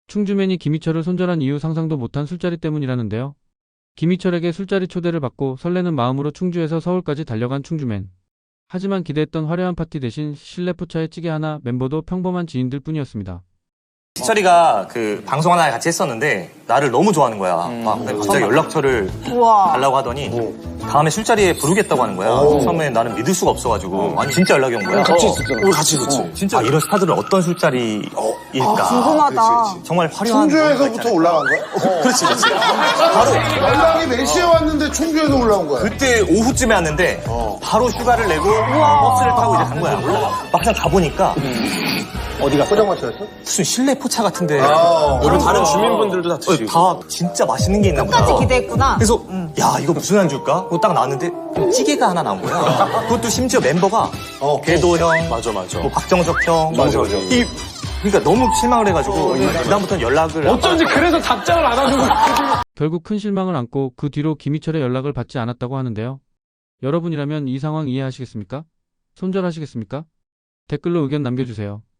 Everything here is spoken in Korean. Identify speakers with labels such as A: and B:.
A: 충주맨이 김희철을 손절한 이유 상상도 못한 술자리 때문이라는데요. 김희철에게 술자리 초대를 받고 설레는 마음으로 충주에서 서울까지 달려간 충주맨. 하지만 기대했던 화려한 파티 대신 실내 포차에 찌개 하나, 멤버도 평범한 지인들 뿐이었습니다.
B: 희철이가 그 방송 하나 같이 했었는데 나를 너무 좋아하는 거야. 근데 갑자기 연락처를 달라고 하더니 다음에 술자리에 부르겠다고 하는 거야. 처음에 나는 믿을 수가 없어가지고 아니 진짜 연락이 온 거야.
C: 같이 있었잖아. 우리 같이 있었지.
B: 진짜 이런 스타들은 어떤 술자리일까?
D: 궁금하다.
B: 정말 화려한
C: 충주에서부터 올라간 거야?
B: 그렇지.
C: 바로 연락이 몇 시에 왔는데 충주에서 올라온 거야?
B: 그때 오후쯤에 왔는데 바로 휴가를 내고 버스를 타고 이제 간 거야. 막상 가보니까
C: 어디가? 포장마차였어?
B: 무슨 실내 포차 같은데
C: 여기 다른 주민분들도 다 드시고.
B: 다 진짜 맛있는 게 있나 보다.
D: 끝까지 기대했구나.
B: 그래서 야 이거 무슨 안주일까? 그거 딱 나왔는데 찌개가 하나 나온 거야. 그것도 심지어 멤버가 궤도 형,
C: 맞아.
B: 뭐 박정석 형,
C: 맞아.
B: 그러니까 너무 실망을 해가지고 그다음부터는 연락을
E: 어쩐지 그래서 답장을 안 하는 거야.
A: 결국 큰 실망을 안고 그 뒤로 김희철의 연락을 받지 않았다고 하는데요. 여러분이라면 이 상황 이해하시겠습니까? 손절하시겠습니까? 댓글로 의견 남겨주세요.